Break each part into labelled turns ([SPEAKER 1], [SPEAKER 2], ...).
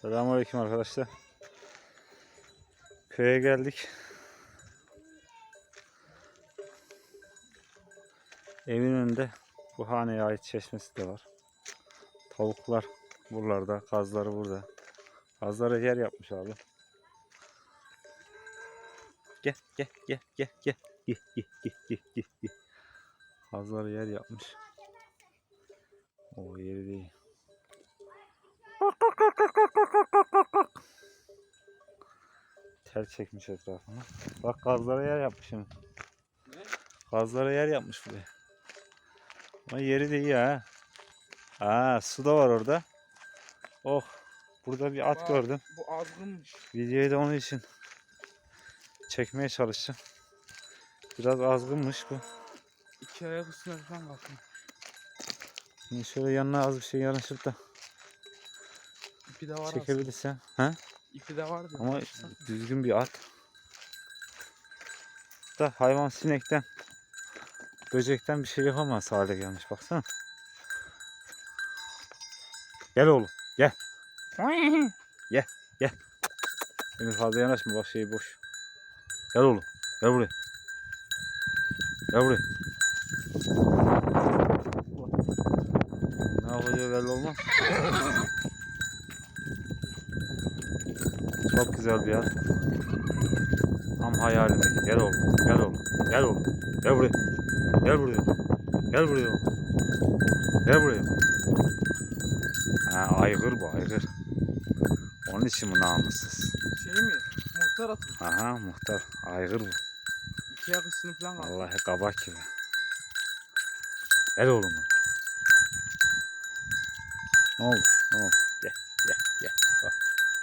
[SPEAKER 1] Selamünaleyküm arkadaşlar. Köye geldik. Evin önünde bu haneye ait çeşmesi de var. Tavuklar buralarda, kazları burada. Kazlara yer yapmış abi. Gel. Gel. Kazlara yer yapmış. O yeri değil. Tel çekmiş etrafına. Bak kazlara yer yapmış şimdi. Kazlara yer yapmış buraya. Ama yeri de iyi ha. Aa, su da var orada. Oh. Burada bir at gördüm.
[SPEAKER 2] Bu azgınmış.
[SPEAKER 1] Videoyu da onun için çekmeye çalıştım. Biraz azgınmış bu.
[SPEAKER 2] İki ayak üstüne falan bakın.
[SPEAKER 1] Şimdi şöyle yanına az bir şey yanaşıp da
[SPEAKER 2] İpi de var
[SPEAKER 1] çekebilirsen. Ha?
[SPEAKER 2] İpi de var diyor.
[SPEAKER 1] Ama düzgün bir at. Da hayvan sinekten, böcekten bir şey yapamaz hale gelmiş. Baksana. Gel oğlum. Gel. Gel. Emir fazla yanaşma. Bak şey boş. Gel oğlum. Gel buraya. Gel buraya. Ne yapacağı belli olmaz. Çok güzel bir yer. Tam hayalimdeki. Gel oğlum. Gel oğlum. Gel oğlum. Gel buraya. Gel buraya. Gel buraya oğlum. Gel buraya. Ha, aygır bu aygır. Onun için bu namussuz.
[SPEAKER 2] Şey mi? Muhtar atıyor.
[SPEAKER 1] Aha muhtar. Aygır bu.
[SPEAKER 2] İki ayak üstüne falan kaldı.
[SPEAKER 1] Vallahi kabak gibi. Gel oğlum. Ne oldu? Ne oldu? Gel. Bak.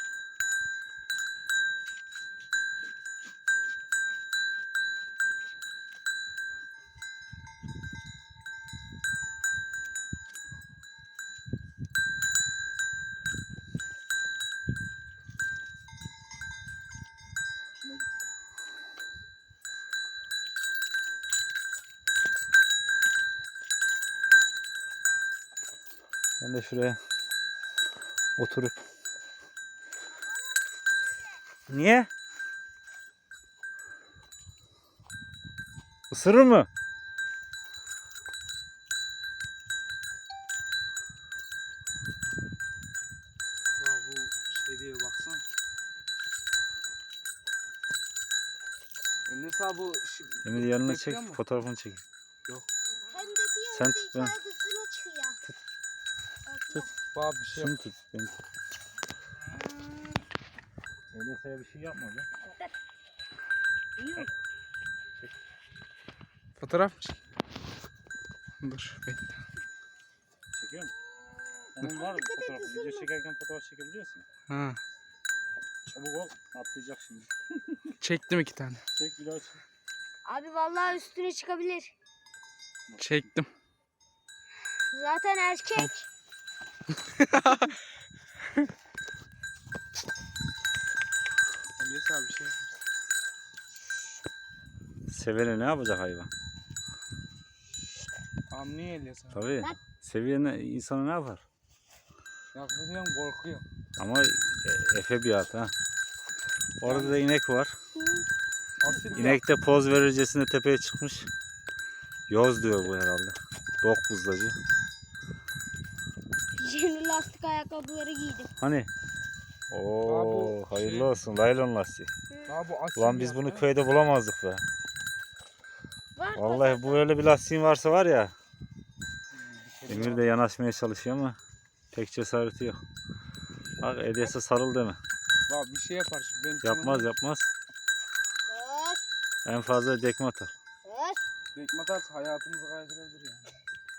[SPEAKER 1] Ben de şuraya oturup. Niye? Isırır mı?
[SPEAKER 2] Ya bu şey diye baksana. Neyse bu
[SPEAKER 1] Emir yanına çek,
[SPEAKER 2] bekliyor mu?
[SPEAKER 1] fotoğrafını çek.
[SPEAKER 2] Yok.
[SPEAKER 3] Hem de diyor
[SPEAKER 1] Sen
[SPEAKER 3] ki
[SPEAKER 1] tut ben.
[SPEAKER 3] şarkısını çıkıyor.
[SPEAKER 1] Tut.
[SPEAKER 2] Bak bir şey
[SPEAKER 1] Şunu tut. Beni tut. Enesa'ya bir şey yapmadı.
[SPEAKER 3] Yok.
[SPEAKER 2] Fotoğraf mı çek? Dur bekle.
[SPEAKER 1] Çekiyor mu? Onun var mı
[SPEAKER 3] Dikkat et,
[SPEAKER 1] fotoğrafı? Video
[SPEAKER 3] ısırma.
[SPEAKER 1] çekerken fotoğraf çekebiliyorsun.
[SPEAKER 2] Ha.
[SPEAKER 1] Çabuk ol. Atlayacak şimdi.
[SPEAKER 2] Çektim iki tane.
[SPEAKER 1] Çek bir daha çek.
[SPEAKER 3] Abi vallahi üstüne çıkabilir.
[SPEAKER 2] Çektim.
[SPEAKER 3] Zaten erkek.
[SPEAKER 2] Neyse bir şey yapmış.
[SPEAKER 1] Sevene ne yapacak hayvan?
[SPEAKER 2] Anlıyor Elyas abi.
[SPEAKER 1] Tabii. Sevene insana ne yapar?
[SPEAKER 2] Yaklaşıyorum korkuyor.
[SPEAKER 1] Ama efe bir at ha. Orada da inek var.
[SPEAKER 2] Asil bir
[SPEAKER 1] İnek de poz verircesine tepeye çıkmış. Yoz diyor bu herhalde. Dok buzlacı.
[SPEAKER 3] Yeni lastik ayakkabıları giydim.
[SPEAKER 1] Hani? Oo,
[SPEAKER 2] Abi,
[SPEAKER 1] hayırlı
[SPEAKER 2] şey-
[SPEAKER 1] olsun. Laylon lastiği.
[SPEAKER 2] Ya bu asil
[SPEAKER 1] Ulan
[SPEAKER 2] bir
[SPEAKER 1] biz bunu
[SPEAKER 2] ya.
[SPEAKER 1] köyde bulamazdık be.
[SPEAKER 3] Var
[SPEAKER 1] Vallahi bu öyle bir lastiğin varsa var ya. Emir de yanaşmaya çalışıyor ama pek cesareti yok. Bak Edyas'a sarıl deme.
[SPEAKER 2] Bak bir şey yapar şimdi. Benim
[SPEAKER 1] Yapmaz.
[SPEAKER 3] Öf,
[SPEAKER 1] En fazla dekme atar.
[SPEAKER 3] öf.
[SPEAKER 2] Tekme atarsa hayatımızı kaydırabilir yani.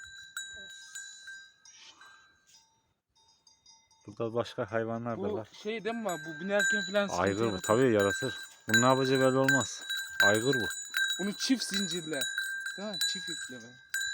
[SPEAKER 1] Burada başka hayvanlar da
[SPEAKER 2] Bu
[SPEAKER 1] var.
[SPEAKER 2] şey değil mi? Bu binerken falan sıkıntı
[SPEAKER 1] Aygır bu
[SPEAKER 2] yaratır.
[SPEAKER 1] tabii yaratır. Bunun ne yapacağı belli olmaz. Aygır bu.
[SPEAKER 2] Bunu çift zincirle. Değil mi? Çift iple be.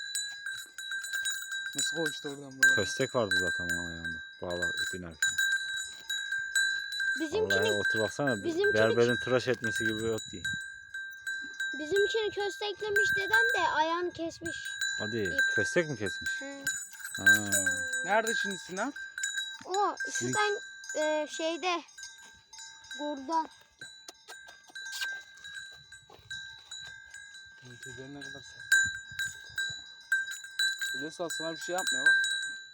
[SPEAKER 2] Nasıl koştu oradan böyle?
[SPEAKER 1] Köstek vardı zaten onun ayağında. Bağla binerken.
[SPEAKER 3] Bizimkini,
[SPEAKER 1] Vallahi otur baksana.
[SPEAKER 3] bizimkini-
[SPEAKER 1] Berberin tıraş etmesi gibi bir ot değil.
[SPEAKER 3] bizimkini kösteklemiş dedem de ayağını kesmiş.
[SPEAKER 1] Hadi köstek mi kesmiş?
[SPEAKER 3] He.
[SPEAKER 1] Ha.
[SPEAKER 2] Nerede şimdi Sinan?
[SPEAKER 3] O
[SPEAKER 1] Sizin-
[SPEAKER 3] şuradan şeyde burada.
[SPEAKER 2] Tüyleri ne kadar sert. Öyleyse sana bir şey yapmıyor bak.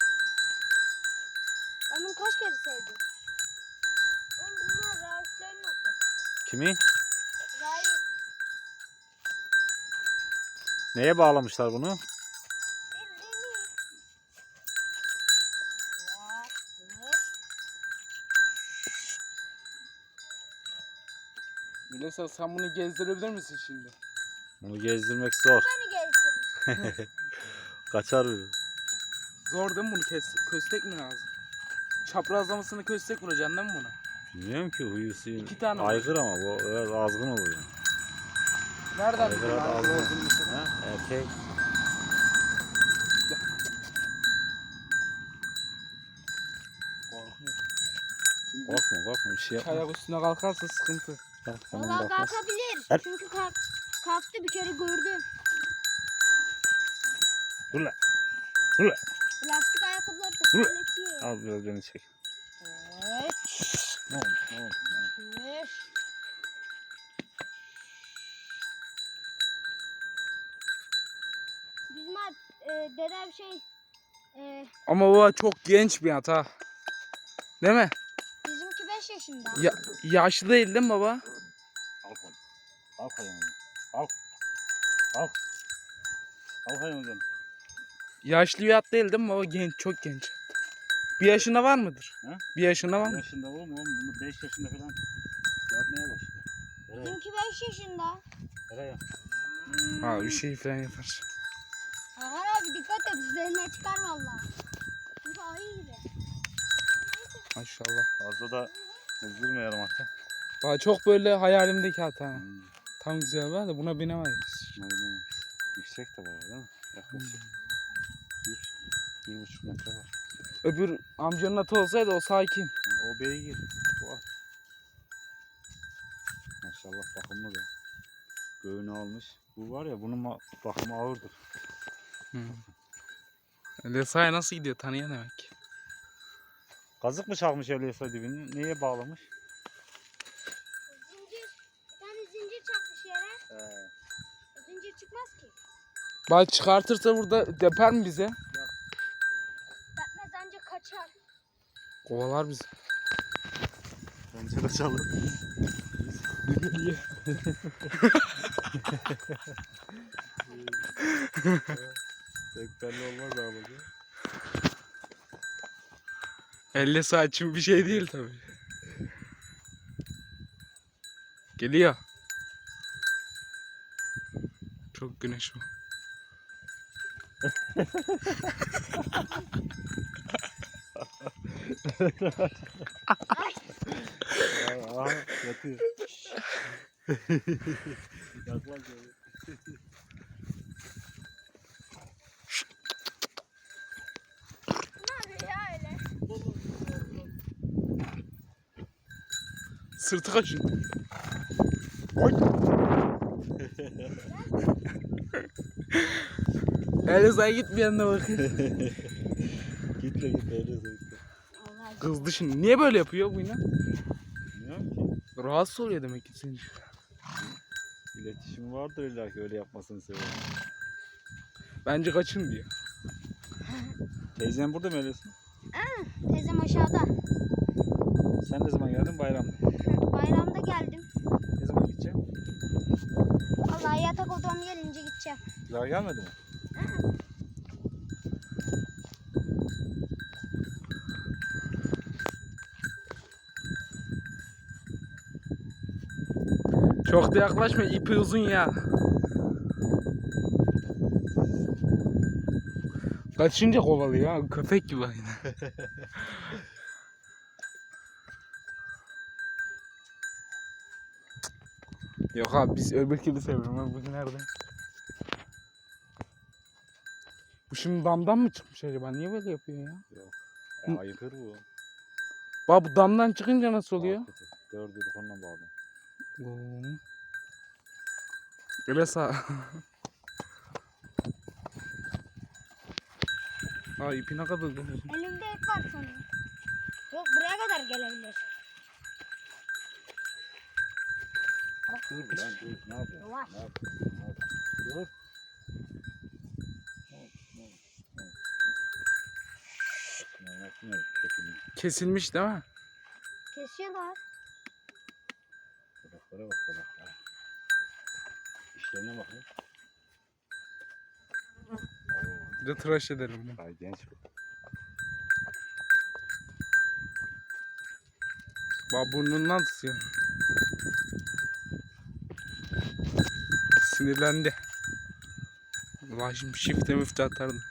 [SPEAKER 3] Ben bunu kaç kere sevdim. Oğlum bunlar Raif'lerin atı.
[SPEAKER 1] Kimi?
[SPEAKER 3] Raif.
[SPEAKER 1] Neye bağlamışlar bunu?
[SPEAKER 3] Bildiğini.
[SPEAKER 2] Öyleyse sen bunu gezdirebilir misin şimdi?
[SPEAKER 1] Bunu gezdirmek zor.
[SPEAKER 3] Beni gezdirir.
[SPEAKER 1] Kaçar biri.
[SPEAKER 2] Zor değil mi bunu köstek mi lazım? Çaprazlamasını köstek vuracaksın değil mi buna?
[SPEAKER 1] Bilmiyorum ki huyu suyu.
[SPEAKER 2] 2 tane var.
[SPEAKER 1] Aygır ama bu biraz azgın oluyor.
[SPEAKER 2] Nereden
[SPEAKER 1] Aygır
[SPEAKER 2] biliyorsun abi
[SPEAKER 1] azgın.
[SPEAKER 2] olduğunu mesela?
[SPEAKER 1] Ha? Erkek.
[SPEAKER 2] Korkuyor. Şimdi
[SPEAKER 1] Korkma bir şey yapma.
[SPEAKER 2] ayak üstüne kalkarsa sıkıntı.
[SPEAKER 1] Bak, tamam,
[SPEAKER 3] Valla
[SPEAKER 1] bakmaz.
[SPEAKER 3] kalkabilir.
[SPEAKER 1] Her-
[SPEAKER 3] Çünkü kalktı bir kere gördüm.
[SPEAKER 1] Dur lan. Dur lan.
[SPEAKER 3] Lastik ayakkabıları da
[SPEAKER 1] Dur.
[SPEAKER 3] terletiyor.
[SPEAKER 1] Al biraz beni çek.
[SPEAKER 3] Evet.
[SPEAKER 1] Ne oldu? Ne oldu?
[SPEAKER 3] Evet. Bizim dedem
[SPEAKER 2] Ama bu çok genç bir at ha. Değil mi?
[SPEAKER 3] bizimki 5 yaşında.
[SPEAKER 2] Yaşlı değil mi baba?
[SPEAKER 1] Al koy. Al koyalım. Al. Al. Al koyalım.
[SPEAKER 2] Yaşlı bir at değil mi baba? Genç, çok genç. Bir yaşında var mıdır?
[SPEAKER 1] Ha?
[SPEAKER 2] Bir yaşında var mı?
[SPEAKER 1] Yaşında oğlum bunu 5 yaşında falan yapmaya başladı. Nereye?
[SPEAKER 3] Bizimki 5 yaşında.
[SPEAKER 1] Nereye?
[SPEAKER 2] Ha bir şey falan yapar.
[SPEAKER 3] Hakan abi dikkat et üzerine çıkar valla. Çünkü ayı gibi.
[SPEAKER 2] Maşallah.
[SPEAKER 1] Fazla da kızdırmayalım hatta.
[SPEAKER 2] Bana çok böyle hayalimdeki at ha.
[SPEAKER 1] Hmm.
[SPEAKER 2] Tam güzel var da buna binemeyiz.
[SPEAKER 1] Aynen. Yüksek de var değil mi? Yaklaşık. 1,5 metre var.
[SPEAKER 2] Öbür amcanın atı olsaydı o sakin.
[SPEAKER 1] O beygir. Bu at. Maşallah bakımlı da. Göğünü almış. Bu var ya bunun bakımı ağırdır.
[SPEAKER 2] Lesaya nasıl gidiyor tanıyan demek.
[SPEAKER 1] Kazık mı çakmış öyleyse dibini? Neye bağlamış?
[SPEAKER 3] Zincir. Bir tane zincir çakmış yere. O zincir çıkmaz ki.
[SPEAKER 2] Bal çıkartırsa burada deper mi bize?
[SPEAKER 3] Depmez ancak kaçar.
[SPEAKER 2] Kovalar bizi.
[SPEAKER 1] Bence de çalır. Pek belli olmaz abi.
[SPEAKER 2] Elle saçım bir şey değil tabii. Geliyor. Çok güneş var.
[SPEAKER 1] Aha yatıyor. Yaklaş öyle.
[SPEAKER 3] Ne yapıyor ya öyle?
[SPEAKER 2] Sırtı kaçın. Eliza'ya gitmeyen de bakın.
[SPEAKER 1] Gitme öyle zevkle.
[SPEAKER 3] Allah
[SPEAKER 2] Kızdı şimdi. Niye böyle yapıyor bu yine?
[SPEAKER 1] Bilmiyorum ki.
[SPEAKER 2] Rahatsız oluyor demek ki senin.
[SPEAKER 1] İletişim vardır illa ki öyle yapmasını seviyorum.
[SPEAKER 2] Bence kaçın diyor.
[SPEAKER 1] Teyzen burada mı öylesin?
[SPEAKER 3] teyzem aşağıda.
[SPEAKER 1] Sen ne zaman geldin bayramda?
[SPEAKER 3] Bayramda geldim.
[SPEAKER 1] Ne zaman gideceksin?
[SPEAKER 3] Vallahi yatak odam gelince gideceğim.
[SPEAKER 1] Daha gelmedi mi?
[SPEAKER 2] Çok da yaklaşma, ipi uzun ya. Kaçınca kovalıyor ha, köpek gibi aynı. Yok abi biz öbürkünü seviyorum abi, bu nerede? Bu şimdi damdan mı çıkmış acaba? Niye böyle yapıyor ya?
[SPEAKER 1] Yok. Ya, ayıkır bu.
[SPEAKER 2] Bak bu damdan çıkınca nasıl oluyor?
[SPEAKER 1] Dördü onunla bağlı.
[SPEAKER 2] Öyle sağ. Aa ipi ne kadar uzun.
[SPEAKER 3] Elimde ip var sanırım. Yok buraya kadar gelebilir?
[SPEAKER 1] Dur lan dur. Ne yapıyorsun?
[SPEAKER 3] Yavaş.
[SPEAKER 1] Ne yapıyorsun? Ne yapıyorsun? Dur.
[SPEAKER 2] Kesilmiş değil mi?
[SPEAKER 3] Kesiyorlar.
[SPEAKER 1] Kadaklara bak kadaklara. İşlerine bakın.
[SPEAKER 2] Bir de tıraş edelim bunu.
[SPEAKER 1] Ay genç bu.
[SPEAKER 2] Bak burnundan tutuyor. Sinirlendi. Ulan şimdi şifte müfte atardım.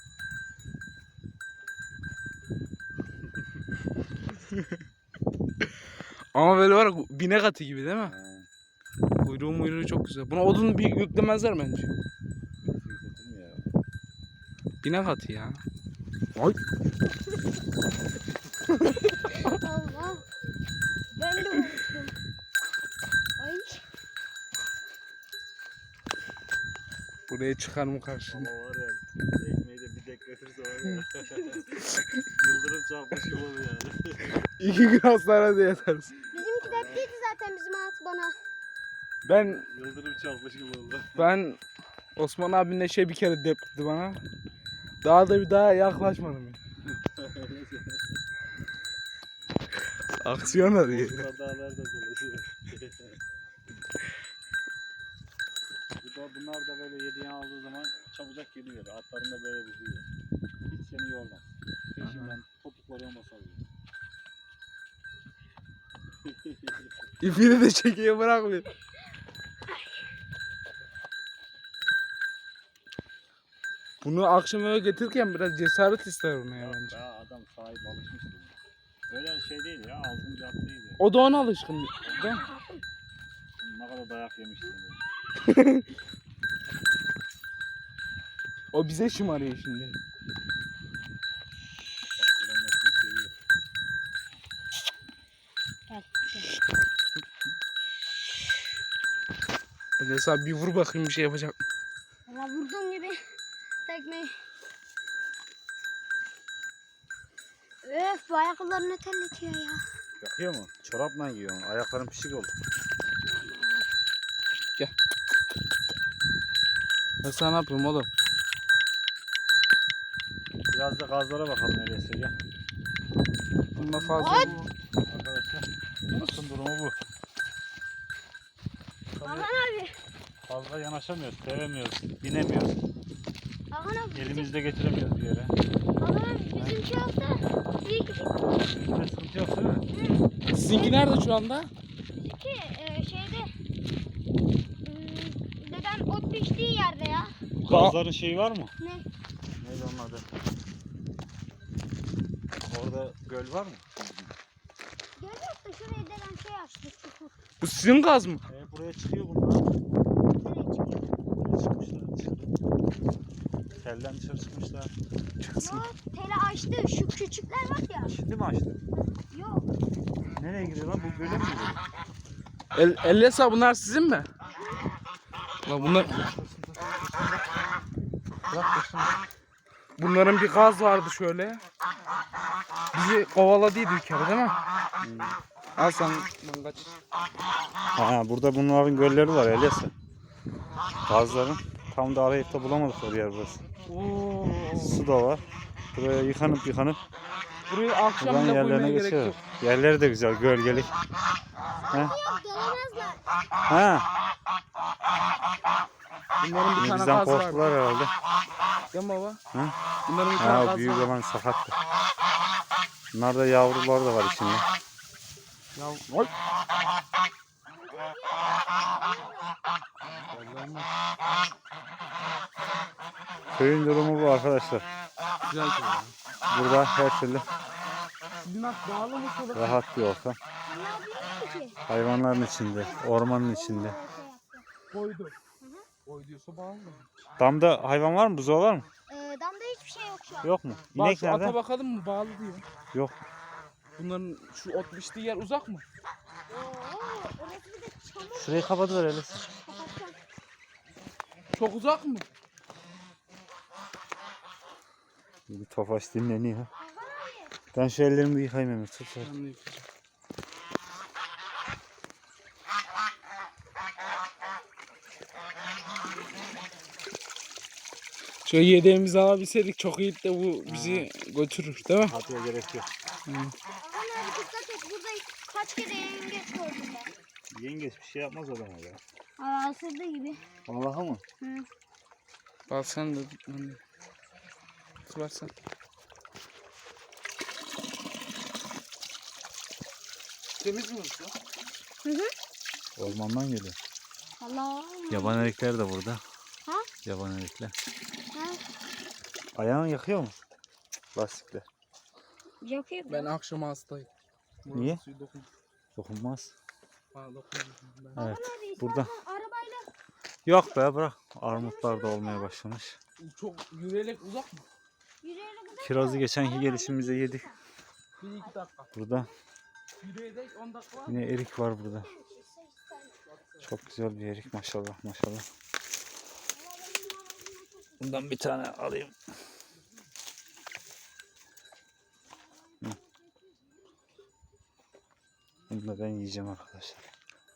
[SPEAKER 2] Ama böyle var ya, binek atı gibi değil mi? Kuyruğu çok güzel. Buna odun bir yüklemezler bence.
[SPEAKER 1] Yükledim ya.
[SPEAKER 2] Binek atı ya. Ay.
[SPEAKER 3] Allah. Ben de unuttum. Ay.
[SPEAKER 2] Buraya çıkar mı karşı?
[SPEAKER 1] Ama var ya ekmeği de bir dek götürse var ya. Yıldırım çarpmış gibi oluyor yani.
[SPEAKER 2] 2 gün hastanede yatarız.
[SPEAKER 3] Bizimki depliydi zaten bizim at bana.
[SPEAKER 2] Ben
[SPEAKER 1] Yıldırım çarpmış gibi oldu.
[SPEAKER 2] Osman abinle bir kere depledi bana. Daha yaklaşmadım. Aksiyon arıyor.
[SPEAKER 1] Dağlar da dolaşıyor. Bunlar da böyle yediğini aldığı zaman çabucak geliyor. Atların da böyle vuruyor. Hiç seni yormaz. Peşinden topukları olmasa alıyor.
[SPEAKER 2] İpini de çekiyor bırakmıyor. Bunu akşam eve getirirken biraz cesaret ister ona ya bence.
[SPEAKER 1] Ya adam sahip alışmıştır. Böyle şey değil ya, ağzın bir at değil ya.
[SPEAKER 2] O da ona alışkın değil mi?
[SPEAKER 1] Ne kadar dayak yemiştim böyle.
[SPEAKER 2] O bize şımarıyor şimdi.
[SPEAKER 1] Bak buranın atını seviyor.
[SPEAKER 3] Gel.
[SPEAKER 2] Öyleyse abi bir vur bakayım bir şey yapacak mı?
[SPEAKER 3] Valla vurduğum gibi tekmeyi. Öf bu ayakkabılar ne terletiyor ya.
[SPEAKER 1] Yakıyor mu? Çorapla giyiyorsun. Ayakların pişik oldu.
[SPEAKER 2] Ben sana ne yapıyorum oğlum?
[SPEAKER 1] Biraz da gazlara bakalım öyleyse gel.
[SPEAKER 2] Bunda fazla
[SPEAKER 3] Ay!
[SPEAKER 2] bu.
[SPEAKER 1] Arkadaşlar atın durumu bu.
[SPEAKER 3] Hakan
[SPEAKER 1] Tabii
[SPEAKER 3] abi.
[SPEAKER 1] fazla yanaşamıyoruz, sevemiyoruz, binemiyoruz.
[SPEAKER 3] Hakan abi.
[SPEAKER 1] Elimizde getiremiyoruz bir yere.
[SPEAKER 3] Hakan abi bizimki olsa ilk
[SPEAKER 1] Bizde sıkıntı yok değil mi?
[SPEAKER 2] Sizinki nerede şu anda?
[SPEAKER 3] bizimki şeyde dedem ot biçtiği yerde ya.
[SPEAKER 1] Gazların şeyi var mı?
[SPEAKER 3] Ne?
[SPEAKER 1] Neydi onun adı? Orada göl var mı?
[SPEAKER 3] Görüyor musun şurayı dedem şey açtı çukur.
[SPEAKER 2] Bu sizin gaz mı?
[SPEAKER 1] Buraya çıkıyor bunlar.
[SPEAKER 3] Nereye çıkıyor?
[SPEAKER 1] Buraya çıkmışlar dışarı. Telden dışarı çıkmışlar.
[SPEAKER 3] Yok tele açtı şu küçükler var ya.
[SPEAKER 1] Şimdi mi açtı?
[SPEAKER 3] Yok.
[SPEAKER 1] Nereye gidiyor lan? Bu göle mi gidiyor?
[SPEAKER 2] Ellesa bunlar sizin mi? Lan
[SPEAKER 1] Bırak dursun.
[SPEAKER 2] bunların bir gaz vardı şöyle. Bizi kovaladıydı bir kere değil mi? Al sen ben kaç.
[SPEAKER 1] Ha, burada bunların gölleri var öyleyse. Gazların. Tam da arayıp da bulamadıkları yer burası.
[SPEAKER 2] Oo.
[SPEAKER 1] Su da var. Buraya yıkanıp
[SPEAKER 2] Burayı akşam
[SPEAKER 1] buradan
[SPEAKER 2] bile
[SPEAKER 1] yerlerine
[SPEAKER 2] koymaya gerek
[SPEAKER 1] geçiyor.
[SPEAKER 2] yok.
[SPEAKER 1] Yerleri de güzel, gölgelik.
[SPEAKER 3] Yok gelemezler.
[SPEAKER 1] Ha,
[SPEAKER 2] Bunların bir
[SPEAKER 1] yine
[SPEAKER 2] tane
[SPEAKER 1] bizden
[SPEAKER 2] gaz vardı.
[SPEAKER 1] korktular herhalde.
[SPEAKER 2] Değil mi baba?
[SPEAKER 1] Hı?
[SPEAKER 2] Bunların bir tane
[SPEAKER 1] Ha,
[SPEAKER 2] gaz
[SPEAKER 1] büyük
[SPEAKER 2] vardı.
[SPEAKER 1] olan sakattı. Bunlarda yavrular da var içinde.
[SPEAKER 2] Ya, oy.
[SPEAKER 1] Köyün durumu bu arkadaşlar.
[SPEAKER 2] Güzel şey ya.
[SPEAKER 1] Burada her türlü
[SPEAKER 2] Sizin at bağlı mı şöyle?
[SPEAKER 1] rahat bir ortam.
[SPEAKER 3] Ne yapayım ki?
[SPEAKER 1] Hayvanların içinde, ormanın içinde.
[SPEAKER 2] Koydu. Koy diyorsa bağlı mı?
[SPEAKER 1] Damda hayvan var mı? Buzağı var mı?
[SPEAKER 3] Damda hiçbir şey yok şu an.
[SPEAKER 1] Yok mu?
[SPEAKER 2] Bak
[SPEAKER 1] İnek
[SPEAKER 2] şu ata
[SPEAKER 1] nerede?
[SPEAKER 2] bakalım mı bağlı diyor.
[SPEAKER 1] Yok.
[SPEAKER 2] Bunların şu ot biçtiği yer uzak mı?
[SPEAKER 3] Orası bir de çamur.
[SPEAKER 1] Şurayı kapatıver öyleyse.
[SPEAKER 3] Kapatacağım.
[SPEAKER 2] Çok uzak mı?
[SPEAKER 1] Bir Tofaş dinleniyor.
[SPEAKER 3] Hakan abi.
[SPEAKER 1] Ben şu ellerimi bir yıkayayım Emir. Tut.
[SPEAKER 2] Ben de yıkayacağım. Şöyle yedeğimizi alabilseydik çok iyiydi de bu bizi götürür değil mi?
[SPEAKER 1] Hatice gerek yok.
[SPEAKER 3] Orhan abi dikkat et. Burada kaç kere yengeç gördüm ben.
[SPEAKER 1] Yengeç bir şey yapmaz adama ya.
[SPEAKER 3] Aa, ısırdı gibi.
[SPEAKER 1] Vallahi mı?
[SPEAKER 3] Hı.
[SPEAKER 2] Al sen de tut. Tutarsan. Temiz mi usta?
[SPEAKER 3] Hı hı.
[SPEAKER 1] Ormandan geliyor.
[SPEAKER 3] Allah.
[SPEAKER 1] Yaban erikler de burada.
[SPEAKER 3] Ha?
[SPEAKER 1] Yaban erikler.
[SPEAKER 3] Ha?
[SPEAKER 1] Ayağını yakıyor mu? Lastikler.
[SPEAKER 3] Yakıyor.
[SPEAKER 2] Ben akşam hastayım.
[SPEAKER 1] Niye?
[SPEAKER 2] Suyu dokun.
[SPEAKER 1] Dokunmaz.
[SPEAKER 2] Bana dokunmuyor. Ben.
[SPEAKER 1] Evet.
[SPEAKER 3] Abi,
[SPEAKER 1] Burada.
[SPEAKER 3] arabayla.
[SPEAKER 1] Yok be bırak. Armutlar da olmaya başlamış.
[SPEAKER 2] Çok yürüyerek uzak mı?
[SPEAKER 3] Yürüyerek gidelim.
[SPEAKER 1] Kirazı geçenki gelişimize yedik.
[SPEAKER 2] 1-2 dakika.
[SPEAKER 1] Burada
[SPEAKER 2] Yürüyerek 10 dakika var.
[SPEAKER 1] yine erik var burada. Çok güzel bir erik maşallah maşallah. Bundan bir tane alayım. Hı. Bunu da ben yiyeceğim arkadaşlar.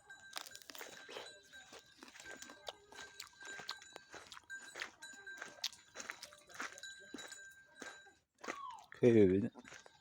[SPEAKER 1] Köy evi.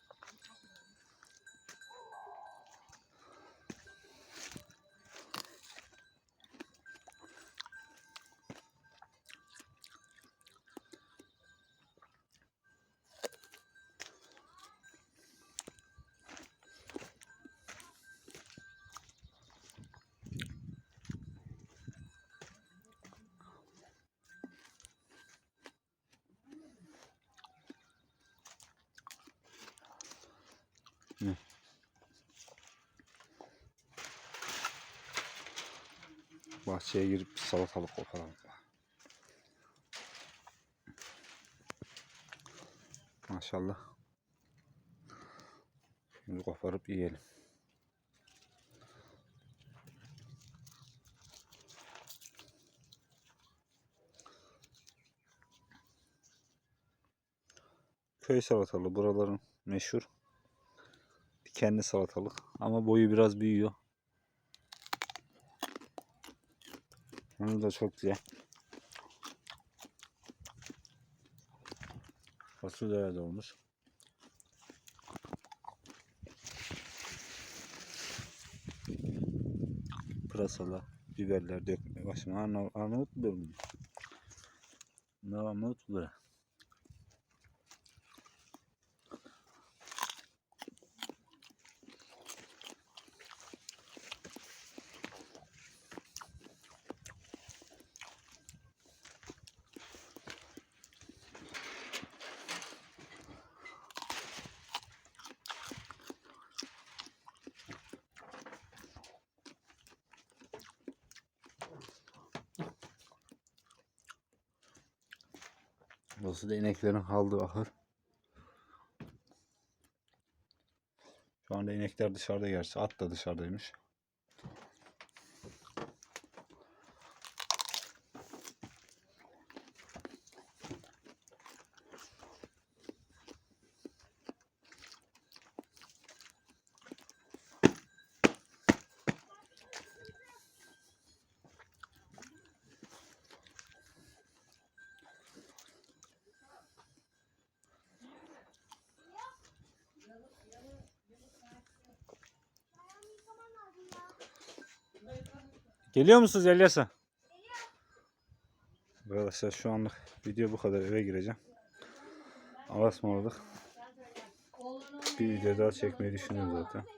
[SPEAKER 1] Bahçeye girip bir salatalık koparalım. Maşallah. Şimdi koparıp yiyelim. Köy salatalığı buraların meşhur. Dikenli salatalık ama boyu biraz büyüyor. Onu da çok güzel. Fasulye de olmuş. Pırasalar, biberler dökmeye başladım. Arnavut biber mi? Ne Arnavut biber? Burası da ineklerin kaldığı ahır. Şu anda inekler dışarıda gerçi. At da dışarıdaymış. Geliyor musunuz Elyas'a? Arkadaşlar şu anlık video bu kadar, eve gireceğim. Allah'a ısmarladık. Bir video daha çekmeyi düşünüyorum zaten.